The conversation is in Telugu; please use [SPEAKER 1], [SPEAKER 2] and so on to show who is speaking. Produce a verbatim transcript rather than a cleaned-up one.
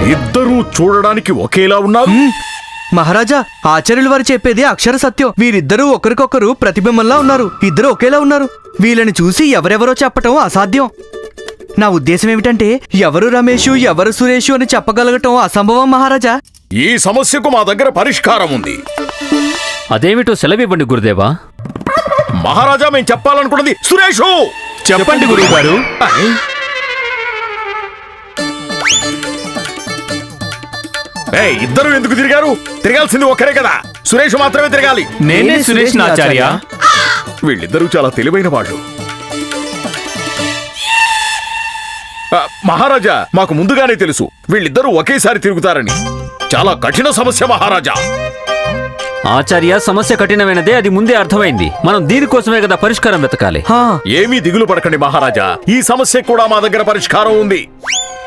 [SPEAKER 1] ఇద్దరూ చూడడానికి ఒకేలా ఉన్నారు.
[SPEAKER 2] మహారాజా, ఆచార్యుల వారు చెప్పేది అక్షర సత్యం. వీరిద్దరూ ఒకరికొకరు ప్రతిబింబంలా ఉన్నారు. ఇద్దరు ఒకేలా ఉన్నారు. వీళ్ళని చూసి ఎవరెవరో చెప్పటం అసాధ్యం. నా ఉద్దేశం ఏమిటంటే ఎవరు రమేషు ఎవరు సురేషు అని చెప్పగలగటం అసంభవం మహారాజా.
[SPEAKER 1] ఈ సమస్యకు మా దగ్గర పరిష్కారం ఉంది.
[SPEAKER 3] అదేమిటో సెలవివ్వండి గురుదేవా.
[SPEAKER 1] మహారాజా, మేము చెప్పాలనుకున్నది సురేషు.
[SPEAKER 4] చెప్పండి గురువు గారు.
[SPEAKER 1] ఇద్దరు ఎందుకు తిరిగారు? తిరగాల్సింది ఒక్కరే కదా, సురేష్ మాత్రమే తిరగాలి.
[SPEAKER 4] నేనే సురేష్ ఆచార్య.
[SPEAKER 1] వీళ్ళిద్దరూ చాలా తెలివైన వాళ్ళు. మహారాజా, మాకు ముందుగానే తెలుసు వీళ్ళిద్దరూ ఒకేసారి తిరుగుతారని. చాలా కఠిన సమస్య మహారాజా.
[SPEAKER 3] ఆచార్య, సమస్య కఠినమైనదే, అది ముందే అర్థమైంది. మనం దీనికోసమే కదా పరిష్కారం వెతకాలి.
[SPEAKER 1] ఏమీ దిగులు పడకండి మహారాజా, ఈ సమస్య కూడా మా దగ్గర పరిష్కారం ఉంది.